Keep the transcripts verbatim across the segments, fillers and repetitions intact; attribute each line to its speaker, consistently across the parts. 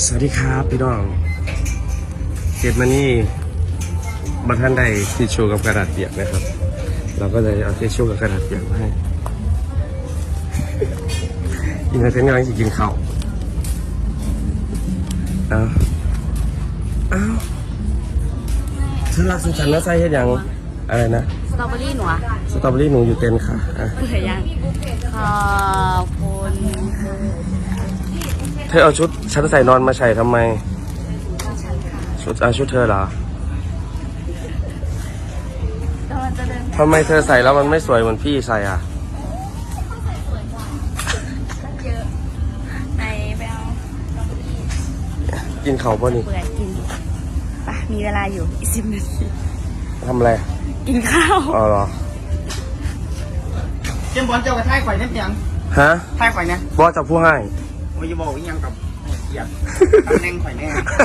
Speaker 1: สวัสดีครับพี่น้องเจ็ดมานี่บัตรท่านใดทิชชู่กับกระดาษเปียกนะครับเราก็เลยเอาทิชชู่กับกระดาษเปียกมาให้กินอะไรเป็นกำลังจะกินข้าวอ้าวอ้าวเธอรักสุฉันแล้วใส่เห็ดยังอะไรนะ
Speaker 2: สตรอเบอรี่หนูอะ
Speaker 1: สตรอเบอรี่หนูอยู่เต็นค่ะอ่ะ
Speaker 2: เผื่อยังขอบคุณ
Speaker 1: เธอเอาชุดฉันใส่นอนมาใส่ทำไมชุดอาชุดเธอเหรอทำไมเธอใส่แล้วมันไม่สวยเหมือนพี่ใส่อ่ะ
Speaker 2: ไปไปเอา
Speaker 1: กินเขาป่ะนี่
Speaker 2: เบื่อกินไปมีเวลาอยู่อีกสิบนาที
Speaker 1: ทำอะไร
Speaker 2: กินข้าว
Speaker 1: อ๋อเหรอ
Speaker 3: เจมบอลเจ้ากระท่ายข่อยนั่นยัง
Speaker 1: ฮะ
Speaker 3: ท่ายข่อยเนี่ย
Speaker 1: บอสจะพูดให้
Speaker 3: วิยบอกยังกับเกียรติตำแหน่งข่อยแน่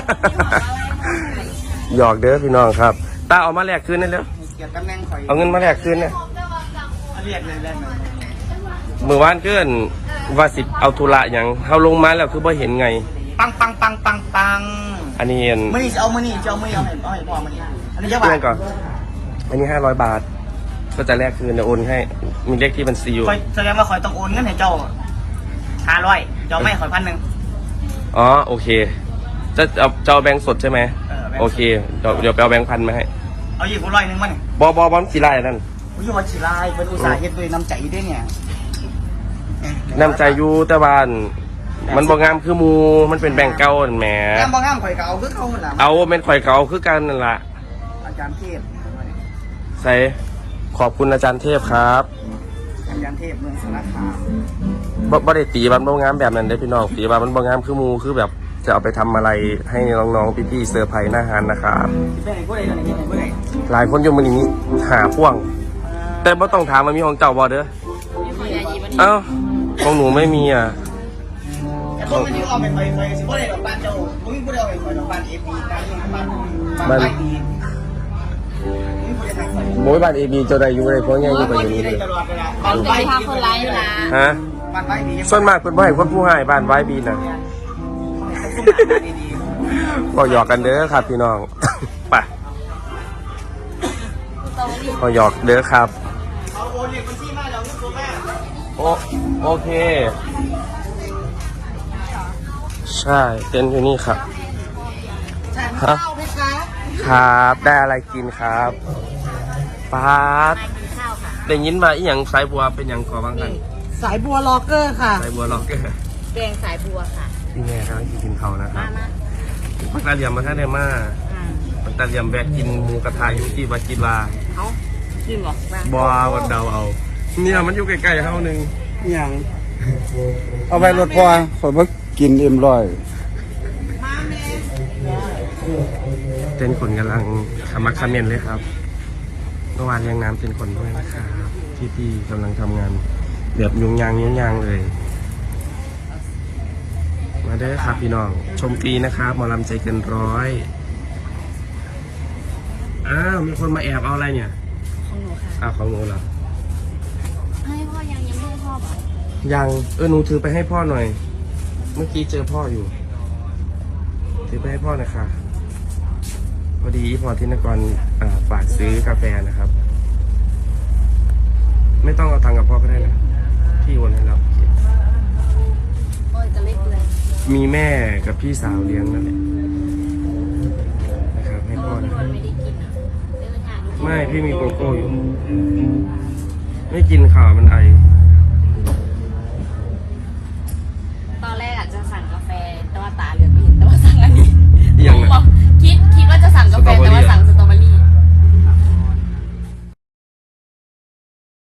Speaker 1: หยอกเด้อพี่น้องครับตาเอามาแลกคืนได้แล้ว
Speaker 3: เกียรติตำแหน่งข่อย
Speaker 1: เอาเงินมาแลกคืนเนี่ย
Speaker 3: เรียกเลยได้ไหม
Speaker 1: มือวานเกินว่าสิเอาธุระอย่างเขาลงมาแล้วคือบ่เห็นไง
Speaker 3: ปังปังปังปังปัง
Speaker 1: อันนี้เห็น
Speaker 3: มื่อนี้จะเอามื่อนี้จะเอามื่อนี้เอาให้เอาให้พอมื่อนี้อันนี้จะบาท
Speaker 1: ก่อนอันนี้ห้าร้อยบาทก็จะแลกคืนเดี๋ยวโอนให้มีเลขที่บัญชีอยู่
Speaker 3: แสดงว่าข่อยต้องโอนเงินให้เจ้าห้าร้อยเจ้าไม่ข่อยพันหนึ่ง
Speaker 1: อ๋อโอเคจะเอาจะเอาแบงค์สดใช่ไหมโอเคเดี๋ยวเดี๋ยวไปเอาแบงค์พันมาให้
Speaker 3: เอาหยิบร้อยหนึ่งมาเนี่ย
Speaker 1: บอบอบอมสีลายนั่น
Speaker 3: อุ้ยวันสีลายเป็นอุตสาหะเฮ็ดด้วยน้ำใจด้วยเนี่ย
Speaker 1: น้ำใจอยู่แต่บ้านมันบ่งามคือมูมันเป็นแบงค์เก่าแหม
Speaker 3: งามบ่งามข่อยเก่าคือเขาหมดละ
Speaker 1: เอาเป็นข่อยเก่าคือกันนั่นล่ะ
Speaker 3: อาจารย์เทพ
Speaker 1: ใส่ขอบคุณอาจารย์เทพครับ
Speaker 3: อาจารย์เทพเมืองสารคาม
Speaker 1: บ่บ่ได้ตีบันบ่งามแบบนั้นได้พี่น้องตีบันมันบ่งามคือมูคือแบบจะเอาไปทำอะไรให้น้องๆพี่ๆเซอร์ไพรส์หน้าฮานนะครับหลายคนอยู่มือนี้หาพ่วงแต่บ่ต้องถามว่ามีของเจ้าบ่เด้อเอ้าของหนูไม่มีอ่ะ
Speaker 3: คนมันเอาไปไปไปสิบ่ได้ดอกบานเจ้าบ่มีผู้ใดเอาไปปล่อยดอกบานเอฟบีบ้านบ้านบ้านบี
Speaker 1: โมยบ้านเอบีเจ้าใดอยู่ในพวกนี้อยู่ไปอยู่นี่เลย
Speaker 2: บ้านไว้พาคนร้ายนะ
Speaker 1: ฮะส่วนมากเป็นบ่ให้คนผู้ให้บ้านไว้บีน่ะก็หยอกกันเด้อครับพี่น้องไปก็หยอกเด้อครับโอโอเคใช่เต้นอยู่นี่ครับฮะครับได้อะไรกินครับปาดได้ยินมาอีหยังสายบัวเป็นหยังก่อบ้างกัน
Speaker 3: สายบัวล็อกเกอร์ค่ะ
Speaker 1: สายบัวล็อกเกอร์
Speaker 2: แดงสายบัวค่ะ
Speaker 1: พี่แม่ครับกินเขานะครับปักตาเหลี่ยมมาท่าเดมาปักตาเหลี่ยมแบกกินหมูกระทะอยู่ที่วัดกีฬา
Speaker 2: เขากินบอก
Speaker 1: บัววัดเดาเอาเนี่ยมันอยู่ใกล้ๆเท่านึง
Speaker 3: อย่าง
Speaker 4: เอาไปรถพอขอมากินเอ็มร้อย
Speaker 1: เต้นคนกำลังขมักขม้นเลยครับเมื่อวานเลี้ยงน้ำเป็นคนด้วยนะครับที่พี่กำลังทำงานแบบยุ่งยางยุ่งยางเลยมาได้ครับพี่น้องชมฟรีนะครับหมอลำใจเกินร้อยอ้าวมีคนมาแอบเอาอะไรเนี่ย
Speaker 2: ของหนูค่ะ
Speaker 1: อ้าวของหนูเหรอ
Speaker 2: ให้พ่อยังยังไม่ให้พ่อบอก
Speaker 1: ยังเออหนูถือไปให้พ่อหน่อยเมื่อกี้เจอพ่ออยู่ถือไปให้พ่อหน่อยค่ะพอดีพ่อที่นครฝากซื้อกาแฟนะครับไม่ต้องเอาตังค์กับพ่อก็ได้นะพี่โอนให้เรา
Speaker 2: โอ้ยจะเล็กเลย
Speaker 1: มีแม่กับพี่สาวเลี้ยงนั่นแหละนะครับให้พ่อนะไม่พี่มีโกโก้อยู่ไม่กินข่าวมันไอ